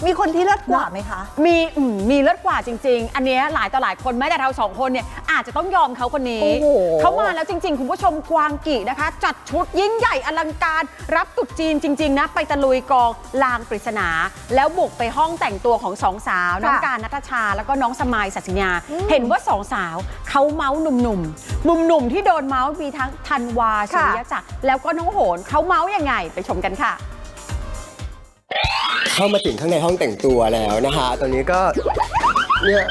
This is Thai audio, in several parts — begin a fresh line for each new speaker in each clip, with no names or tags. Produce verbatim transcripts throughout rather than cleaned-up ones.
มีคนที่เลิศกว่าไหมคะ
มีมีเลิศกว่าจริงๆอันนี้หลายต่อหลายคนแม้แต่เราสองคนเนี่ยอาจจะต้องยอมเขาคนนี้เขามาแล้วจริงๆคุณผู้ชมกวางกีนะคะจัดชุดยิ่งใหญ่อลังการรับตรุษจีนจริงๆนะไปตะลุยกองลางปริศนาแล้วบุกไปห้องแต่งตัวของสองสาวน้องการณัฐชาแล้วก็น้องสมายศศิญาเห็นว่าสองสาวเขาเมาส์หนุ่มๆหนุ่มๆที่โดนเมาส์มีทั้งธันวาสุริยจักรแล้วก็น้องโหนเขาเมาส์ยังไงไปชมกันค่ะ
เข้ามาถึงข้างในห้องแต่งตัวแล้วนะคะตอนนี้ก็เนี่ย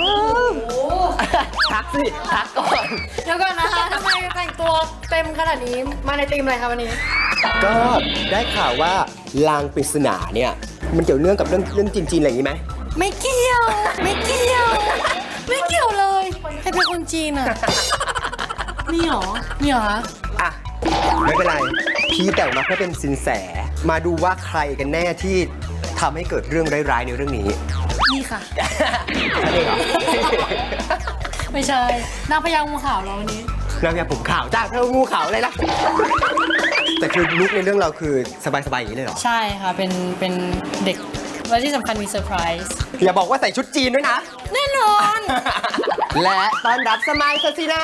ทักสิทักก่อน
เดี๋ยวก่อนนะคะทำไมแต่งตัวเต็มขนาดนี้มาในธีมอะไรคะวันนี้
ก็ได้ข่าวว่าลางปริศนาเนี่ยมันเกี่ยวเนื่องกับเรื่องเรื่องจีนๆอะไรอย่างนี้ไหม
ไม่เกี่ยวไม่เกี่ยวไม่เกี่ยวเลยใครเป็นคนจีนอ่ะมีหรอมีหรอ
อ่ะไม่เป็นไรพี่แต่งมาเพื่อเป็นสินแสมาดูว่าใครกันแน่ที่ทำให้เกิดเรื่องร้ายๆในเรื่องนี้
นี่ค่ะ
ใช่เหรอ
ไม่ใช่นางพญางูขาวเราวันนี้
นางพญาผมขาวจ้าเธองูขาวอะไรล่ะแต่คือลุคในเรื่องเราคือสบายๆอย่างนี้เลยเหรอ
ใช่ค่ะเป็นเป็นเด็กและที่สำคัญมีเซอร์ไพรส์
อย่าบอกว่าใส่ชุดจีนด้วยนะ
แน่นอน
และต้อนรับสมัยศศินา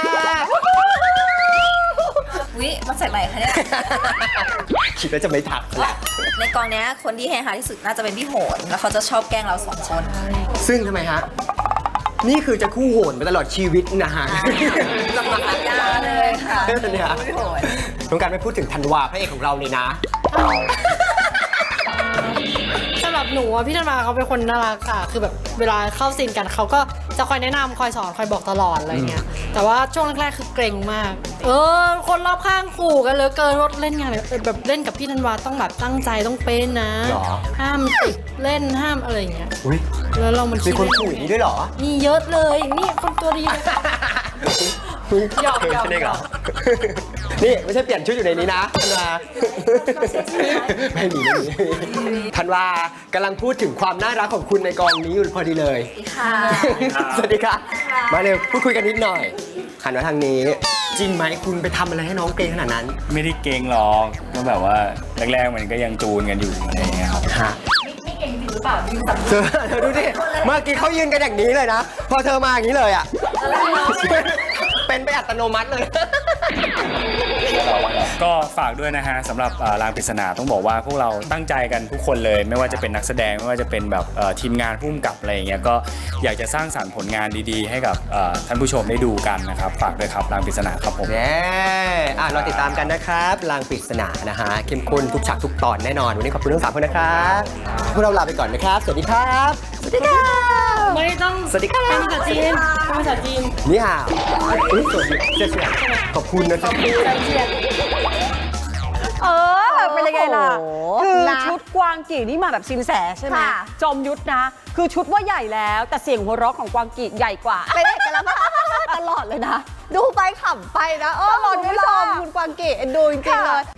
วิมาใส่ใหม่คะเนี่ย
คิดว่าจะไม่ถักแหละ
ในกองนี้คนที่เฮฮาที่สุดน่าจะเป็นพี่โหนแล้วเขาจะชอบแกล้งเราสองคน
ซึ่งทำไมฮะนี่คือจะคู่โหนไปตลอดชีวิตนะฮะ
จะมาสัญญาเลยค่ะ
เนี่ยต้องการไม่พูดถึงธันวาพระเอกของเราเลยนะ
สำหรับหนูอะพี่ธันวาเขาเป็นคนน่ารักค่ะคือแบบเวลาเข้าซีนกันเขาก็จะคอยแนะนำคอยสอนคอยบอกตลอดอะไรเงี้ยแต่ว่าช่วงแรกๆคือเกรงมากเออคนรอบข้างขู่กันเหลือเกินว่าเล่นงานแบบเล่นกับพี่ธันวาต้องแบบตั้งใจต้องเป็นนะห้ามติดเล่นห้ามอะไรเงี้ยแล้วเรามัน
มีคนขู่อย่างนี้ด้วยเหรอ
มีเยอะเลยนี่คนตัวดีเลยหยอกหยอกหยอก
นี่ไม่ใช่เปลี่ยนชุดอยู่ในนี้นะธันวาไม่มีไม่มีธันวากำลังพูดถึงความน่ารักของคุณในกองนี้อยู่พอดีเลยสวัสดีค่ะมาเร็วพูดคุยกันนิดหน่อยหันมาทางนี้จริงไหมคุณไปทำอะไรให้น้องเกรงขนาดนั้น
ไม่ได้เกรงหรอกก็แบบว่าแรกๆมันก็ยังจูนกันอยู่อะไรอย่างเงี้ยครับ
ไม่เก่งจริงหรือเปล่ายืนสับ
เธอเธอดูดิเมื่อกี้เขายืนกันอย่างนี้เลยนะพอเธอมาอย่างนี้เลยอ่ะเป็นไปอัตโนมัติเลย
ก็ฝากด้วยนะฮะสำหรับลางปริศนาต้องบอกว่าพวกเราตั้งใจกันทุกคนเลยไม่ว่าจะเป็นนักแสดงไม่ว่าจะเป็นแบบทีมงานผู้กำกับอะไรอย่างเงี้ยก็อยากจะสร้างสรรค์ผลงานดีๆให้กับท่านผู้ชมได้ดูกันนะครับฝากด้วยครับลางปริศนาครับผม
แน่อ่ะเราติดตามกันนะครับลางปริศนานะฮะเข้มข้นทุกฉากทุกตอนแน่นอนวันนี้ขอบคุณทั้งสามคนนะครับพวกเราลาไปก่อนนะครับสวัสดีครับสวัสดีค่ะ
ไม่ต้อง
สวัสดีครับ
เป็นภาษาจีนเป็นภาษาจีน
นี่ฮะอุ้ยสวัสดีเจ๊ขอบคุณนะ
ขอบคุณเจียน
เออเป็นยังไงล่ะคือชุดกวางกีนี่มาแบบซินแสใช่ไหมจอมยุทธนะคือชุดว่าใหญ่แล้วแต่เสียงหัวเราะของกวางกีใหญ่กว่า
ไปได้กันแล้วตลอดเลยนะดูไปขำไปนะเออคุณผู้ชมคุณกวางกีเอ็นดูจริงๆเลย